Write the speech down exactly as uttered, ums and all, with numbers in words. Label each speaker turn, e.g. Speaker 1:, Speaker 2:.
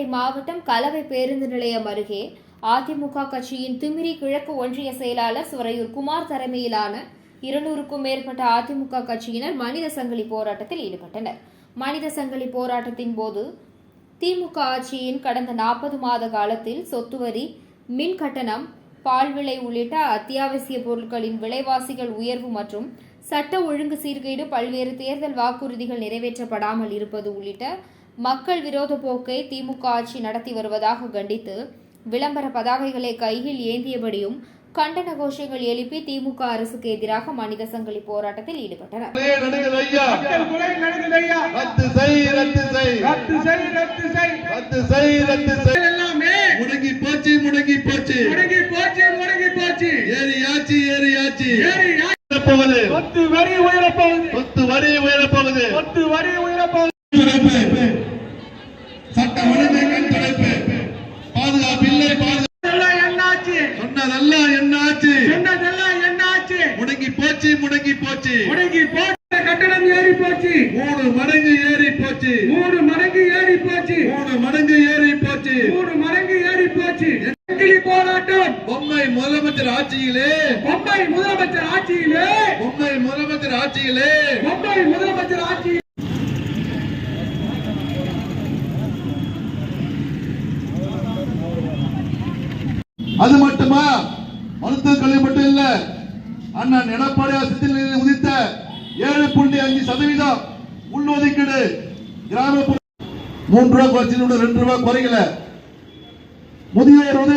Speaker 1: ராணிப்பேட்டை மாவட்டம் கலவை பேருந்து நிலையம் அருகே அதிமுக கட்சியின் திமிரி கிழக்கு ஒன்றிய செயலாளர் சுரையூர் குமார் தலைமையிலான இருநூறுக்கும் மேற்பட்ட அதிமுக கட்சியினர் மனித சங்கிலி போராட்டத்தில் ஈடுபட்டனர். மனித சங்கிலி போராட்டத்தின் போது திமுக ஆட்சியின் கடந்த நாற்பது மாத காலத்தில் சொத்து வரி, மின் கட்டணம், பால் விலை உள்ளிட்ட அத்தியாவசிய பொருட்களின் விலைவாசிகள் உயர்வு மற்றும் சட்ட ஒழுங்கு சீர்கேடு, பல்வேறு தேர்தல் வாக்குறுதிகள் நிறைவேற்றப்படாமல் இருப்பது உள்ளிட்ட மக்கள் விரோத போக்கை திமுக ஆட்சி நடத்தி வருவதாக கண்டித்து விளம்பர பதாகைகளை கையில் ஏந்தியபடியும் கண்டன கோஷங்கள் எழுப்பி திமுக அரசுக்கு எதிராக மனித சங்கிலி போராட்டத்தில் ஈடுபட்டனர்.
Speaker 2: முடங்கி போச்சு முடங்கி போச்சு முடங்கி போச்சு முடங்கி போச்சு ஏரியாச்சு ஏரியாச்சு ஏரியாச்சு சொத்து வரி உயரப்போகுது சொத்து வரி உயரப்போகுது சொத்து வரி உயரப்போகுது சட்ட ஒழுங்கு தலைப்பு பாதுகாப்பு இல்லை பாதுகாப்பு என்னாச்சு சொன்னதெல்லாம் என்னாச்சு சொன்னதெல்லாம் என்னாச்சு முடங்கி போச்சு முடங்கி போச்சு முடங்கி போச்சு கட்டணம் ஏறி போச்சு மூணு மடங்கு ஏறி போச்சு மூணு மடங்கு ஏறி போச்சு மூணு மடங்கு ஏறி போச்சு மூணு மடங்கு ஏறி போச்சு போராட்டம் பொம்மை முதலமைச்சர் ஆட்சியிலே பொம்மை முதலமைச்சர் ஆட்சியிலே பொம்மை முதலமைச்சர் ஆட்சியிலே பொம்மை முதலமைச்சர் ஆட்சி. அது மட்டுமா, மருத்துவக் கல்வி மட்டும் இல்ல, அண்ணன் எடப்பாடியார் சித்திரையில் உதித்த ஏழு புள்ளி அஞ்சு சதவீதம் உள்ஒதுக்கீடு கிராமப்புற மூன்று ரூபாய் குறைச்சு ரெண்டு ரூபாய் குறைக்கல. முதியோர்